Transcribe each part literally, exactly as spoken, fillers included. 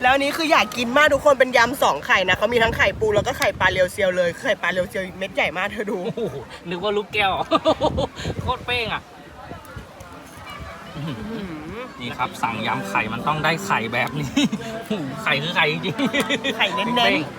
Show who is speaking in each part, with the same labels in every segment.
Speaker 1: แล้วนี้คืออยากกินมากทุกคนเป็นยำสองไข่นะเขามีทั้งไข่ปูแล้วก็ไข่ปลาเรียวเซียวเลยไข่ปลาเรียวเซียวเม็ดใหญ่มากเธอดู
Speaker 2: นึกว่าลูกแก้วโคตรเป้งอ่ะนี่ครับสั่งยำไข่มันต้องได้ไข่แบบนี้ไข่คือไข่จริง
Speaker 1: ไข่เน้นๆ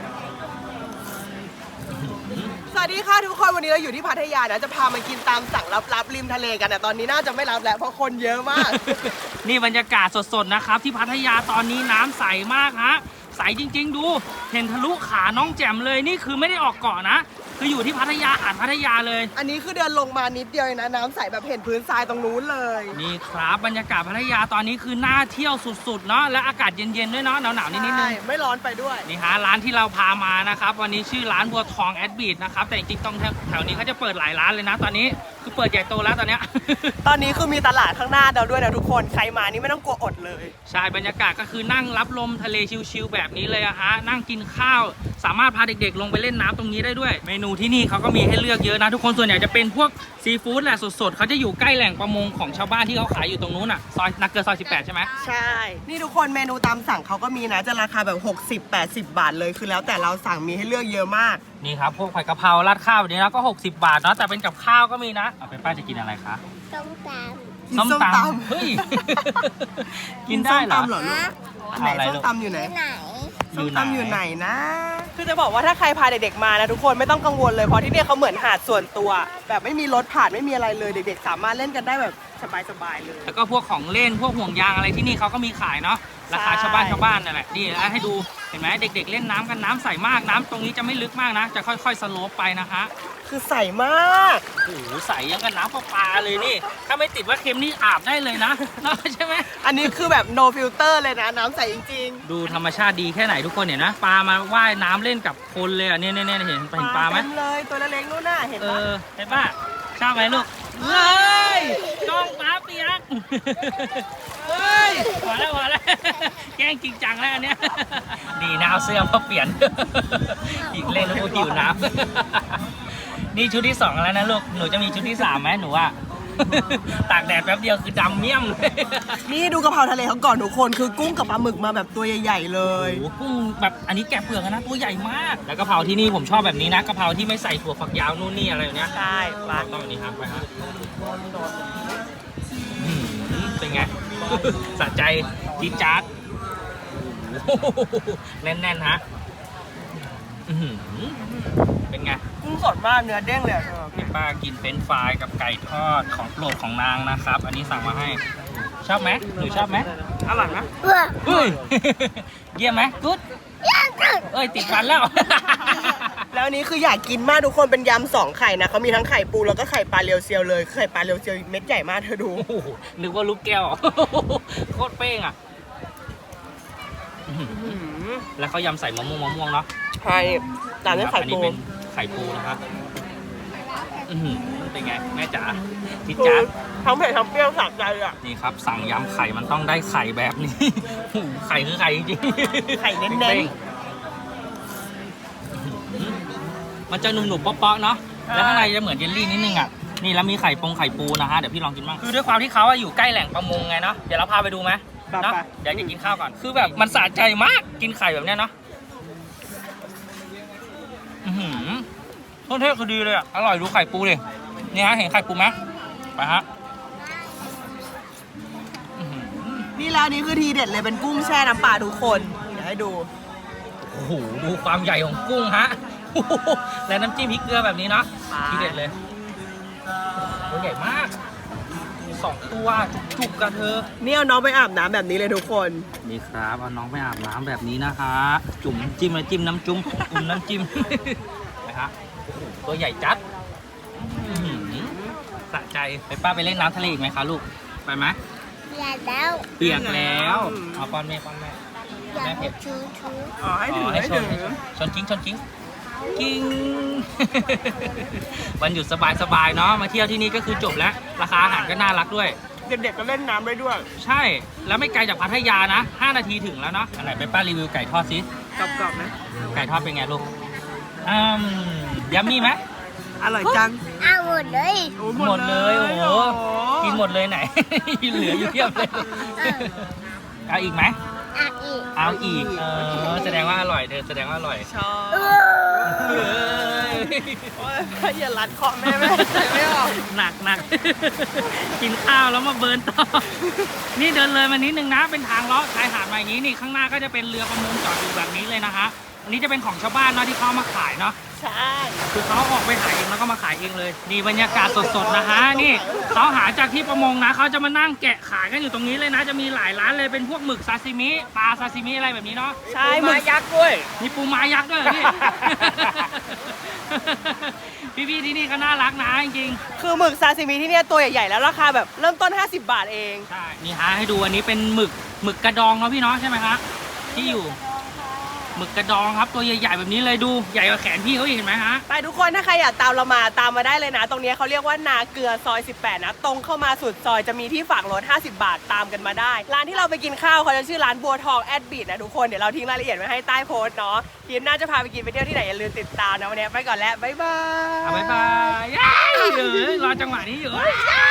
Speaker 1: สวัสดีค่ะทุกคนวันนี้เราอยู่ที่พัทยานะจะพามากินตามสั่งลับๆริมทะเลกันนะตอนนี้น่าจะไม่รับแล้วเพราะคนเยอะมาก
Speaker 2: นี่บรรยากาศสดๆนะครับที่พัทยาตอนนี้น้ำใสมากฮะใสจริงๆดูเห็นทะลุขาน้องแจ่มเลยนี่คือไม่ได้ออกเกาะนะคืออยู่ที่พัทยาหาดพัทยาเลย
Speaker 1: อันนี้คือเดินลงมานิดเดียวนะน้ำใสแบบเห็นพื้นทรายตรงนู้นเลย
Speaker 2: นี่ครับบรรยากาศพัทยาตอนนี้คือน่าเที่ยวสุดๆเนาะและอากาศเย็นๆด้วยเนาะหนาวๆนิดๆนึง
Speaker 1: ไม่ร้อนไปด้วย
Speaker 2: นี่ฮะร้านที่เราพามานะครับวันนี้ชื่อร้านบัวทองแอดบีทนะครับแต่จริงๆตรงแถวนี้เขาจะเปิดหลายร้านเลยนะตอนนี้คือเปิดใหญ่โตแล้วตอนนี้
Speaker 1: ตอนนี้คือมีตลาดข้างหน้าเราด้วยนะทุกคนใครมานี่ไม่ต้องกลัวอดเลย
Speaker 2: ใช่บรรยากาศก็คือนั่งรับลมทะเลชิลๆแบบนี้เลยอะฮะนั่งกินข้าวสามารถพาเด็กๆลงไปเล่นน้ำตรงนี้ได้ด้วยเมนูที่นี่เขาก็มีให้เลือกเยอะนะทุกคนส่วนใหญ่จะเป็นพวกซีฟู้ดแหละสดๆเขาจะอยู่ใกล้แหล่งประมงของชาวบ้านที่เขาขายอยู่ตรงนู้นอ่ะซอยนักเกิดซอยสิบแปดใช่ไหม
Speaker 1: ใช่นี่ทุกคนเมนูตามสั่งเขาก็มีนะจะราคาแบบหกสิบ แปดสิบบาทเลยคือแล้วแต่เราสั่งมีให้เลือกเยอะมาก
Speaker 2: นี่ครับพวกผัดกะเพราราดข้าวแบบนี้แล้วก็หกสิบบาทเนาะแต่เป็นกับข้าวก็มีนะเอาไปป้าจะกินอะไรคะ
Speaker 3: ส้มตำ
Speaker 2: ส้มตำเฮ้ยกินได้เหรอ
Speaker 1: อันไหนส้มตำอยู่ไหนส้มตำอยู่ไหนนะคือจะบอกว่าถ้าใครพาเด็กๆมานะทุกคนไม่ต้องกังวลเลยเพราะที่นี่เขาเหมือนหาดส่วนตัวแบบไม่มีรถผ่านไม่มีอะไรเลยเด็กๆสามารถเล่นกันได้แบบสบายๆเลย
Speaker 2: แล้วก็พวกของเล่นพวกห่วงยางอะไรที่นี่เขาก็มีขายเนาะราคาชาวบ้านชาวบ้านนั่นแหละนี่แล้วให้ดูเห็นไหมเด็กๆเล่นน้ำกันน้ำใสมากน้ำตรงนี้จะไม่ลึกมากนะจะค่อยๆสโลปไปนะคะ
Speaker 1: คือใสมาก
Speaker 2: โอ้โหใสยังกับน้ำประปาเลยนี่ถ้าไม่ติดว่าเค็มนี่อาบได้เลยนะใช่ไหม
Speaker 1: อันนี้คือแบบ no filter เลยนะน้ำใสจริง
Speaker 2: ๆดูธรรมชาติดีแค่ไหนทุกคนเห็นนะปลามาว่ายน้ำเล่นกับคนเลยอ่ะเนี่ยเนี่ยเห็นเห็นปลาไหม
Speaker 1: เลยตัวเล็กๆนู่นน่ะเห็นปะ
Speaker 2: เห็นปะชอบไหมลูกเฮ้ยจ้องปลาเปียกเฮ้ยพอแล้วพอแล้วแกล้งจริงจังแล้วอันเนี้ยดีนะเอาเสื้อมาเปลี่ยนอีกเล่นแล้วหิวน้ำนี่ชุดที่สองแล้วนะลูกหนูจะมีชุดที่สามไหมหนูอ่ะตากแดดแป๊บเดียวคือดำเมี่ยมเลย
Speaker 1: นี่ดูกะเพราทะเลเขาก่อนทุกคนคือกุ้งกับปลาหมึกมาแบบตัวใหญ่ๆเลย
Speaker 2: โอ้กุ้งแบบอันนี้แกะเปลือกนะตัวใหญ่มากแล้วกะเพราที่นี่ผมชอบแบบนี้นะกะเพราที่ไม่ใส่ถั่วฝักยาวนู่นนี่อะไรอย่างเนี้ย
Speaker 1: ใช่
Speaker 2: ปลาต้องแบบนี้ครับไปครับเป็นไงสะใจจี๊ดจ๊าดแน่นๆฮะเป็นไง
Speaker 1: กุ้งสดมากเนื้อเด้งเลย
Speaker 2: พี่ป้ากินเป็นฟรายกับไก่ทอดของโปรดของนางนะครับอันนี้สั่งมาให้ชอบไหมหนูชอบไหมอร่อยไหมเฮ้ยเยี่ยมไหมกุ๊ดเอ้ยติดฟันแล้ว
Speaker 1: แล้วนี้คืออยากกินมากทุกคนเป็นยำสองไข่นะเขามีทั้งไข่ปูแล้วก็ไข่ปลาเรียวเซียวเลยไข่ปลาเรียวเซียวเม็ดใหญ่มากเธอดู
Speaker 2: นึกว่าลูกแก้วโคตรเป้งอ่ะแล้วเขายำใส่มะม่วงมะม่วงเนาะ
Speaker 1: ใช่ตามด้วยไข่ปู
Speaker 2: ไข่ปูนะครับเป็นไงแม่จ๋าจิ๊ดจ๊าด
Speaker 1: ทั้งเผ็ดทั้งเปรี้ยวสะใจอ่ะ
Speaker 2: นี่ครับสั่งยำไข่มันต้องได้ไข่แบบนี้ไข่คือไข่จริง
Speaker 1: ไข่เน้น
Speaker 2: ๆมันจะหนุ่มๆเปาะๆเนาะแล้วข้างในจะเหมือนเยลลี่นิดนึงอ่ะนี่แล้วมีไข่ปงไข่ปูนะฮะเดี๋ยวพี่ลองกินบ้างคือด้วยความที่เขาอยู่ใกล้แหล่งประมงไงเนาะเดี๋ยวเราพาไปดูไหมเนาะเดี๋ยวจะกินข้าวก่อนคือแบบมันสะใจมากกินไข่แบบนี้เนาะต้นเทศคือดีเลยอ่ะอร่อยดูไข่ปูดินี่ฮะเห็นไข่ปูไหมไปฮะ
Speaker 1: นี่แล้วนี่คือทีเด็ดเลยเป็นกุ้งแช่น้ำปลาทุกคนเดี๋ยวให้ดู
Speaker 2: โอ้โหดูความใหญ่ของกุ้งฮะและน้ำจิ้มพริกเกลือแบบนี้เนาะทีเด็ดเลยตัวใหญ่มากสองตัวจุกๆกันเธอ
Speaker 1: นี่เอาน้องไปอาบน้ำแบบนี้เลยทุกคน
Speaker 2: นี่ครับเอาน้องไปอาบน้ำแบบนี้นะคะจุ่มจิ้มน้ำจิ้มน้ำจุ่มจุ่มน้ำจิ้มนะครับตัวใหญ่จัดสะใจไปป้าไปเล่นน้ำทะเลอีกไหมคะลูกไปไหม
Speaker 3: เปียกแล้ว
Speaker 2: เปียกแล้วเอาป้อนแม่ป้อนแม่
Speaker 3: แม่เผ็ดชูชู
Speaker 1: อ๋อให้ถือให้ถือ
Speaker 2: ชนกิ้งชนกิ้งกิ้งวันหยุดสบายๆเนาะมาเที่ยวที่นี่ก็คือจบแล้วราคาอาหารก็น่ารักด้วย
Speaker 1: เด็กๆก็เล่นน้ำได้ด้วย
Speaker 2: ใช่แล้วไม่ไกลจากพัทยานะห้านาทีถึงแล้วเนาะอันไหนไปป้ารีวิวไก่ทอดซิ
Speaker 1: กรอบๆนะ
Speaker 2: ไก่ทอดเป็นไงลูกอืมยัมมี่ไหม
Speaker 1: อร่อยจัง
Speaker 3: เอาหมดเลย
Speaker 2: หมดเลยโอ้โหกินหมดเลยไหนเหลืออยู่เพียบเลยเอาอีกไหม
Speaker 3: เอาอีก
Speaker 2: เอเอาอีกเออแสดงว่าอร่อยเธอแสดงว่าอร่อย
Speaker 1: ชอบ
Speaker 2: เอ้ย
Speaker 1: โอ๊ยอย่ารัดคอแม่แม่ไม่ออก
Speaker 2: หนักหนัก กินข้าวแล้วมาเบิร์นต่อ นี่เดินเลยมานิดนึงนะเป็นทางเลาะชายหาดมาอย่างนี้นี่ข้างหน้าก็จะเป็นเรือประมงจอดอยู่แบบนี้เลยนะคะอันนี้จะเป็นของชาวบ้านเนาะที่เขาเอามาขายเนาะ
Speaker 1: ใช่
Speaker 2: คือเขาออกไปหาเองแล้วก็มาขายเองเลยนี่บรรยากาศสดๆนะคะนี่เขาหาจากที่ประมงนะเขาจะมานั่งแกะขายกันอยู่ตรงนี้เลยนะจะมีหลายร้านเลยเป็นพวกหมึกซาซิมิปลาซาซิมิอะไรแบบนี้เนาะ
Speaker 1: ใช่
Speaker 2: ปู
Speaker 1: หมึ
Speaker 2: ม้าก ยักษ์ด้วยมีปูม้ายักษ์ด้วยเหรอพี่ พี่ๆที่นี่ก็น่ารักนะจริง
Speaker 1: คือหมึกซาซิมิที่เนี่ยตัวใหญ่ๆแล้วราคาแบบเริ่มต้นห้าสิบบาทเอง
Speaker 2: ๆใช่นี่ฮะให้ดูอันนี้เป็นหมึกหมึกกระดองเนาะพี่เนาะใช่ไหมคะที่อยู่หมึกกระดองครับตัวใหญ่ๆแบบนี้เลยดูใหญ่กว่าแขนพี่เขาอีกเห็นไหมฮะ
Speaker 1: ไปทุกคนถ้าใครอยากตามเรามาตามมาได้เลยนะ ตรงนี้เขาเรียกว่านาเกลือซอยสิบแปดนะตรงเข้ามาสุดซอยจะมีที่ฝากรถห้าสิบบาทตามกันมาได้ ร้านที่เราไปกินข้าวเขาจะชื่อร้านบัวทองแอดบีดนะทุกคนเดี๋ยวเราทิ้งรายละเอียดไว้ให้ใต้โพสต์เนาะทีมน่าจะพาไปกินไปเที่ยวที่ไหนอย่าลืมติดตามนะวันนี้ไปก่อนแล้วบ๊ายบาย
Speaker 2: อ่ะบ๊ายบายเย้เออรอจังหวะนี้อยู่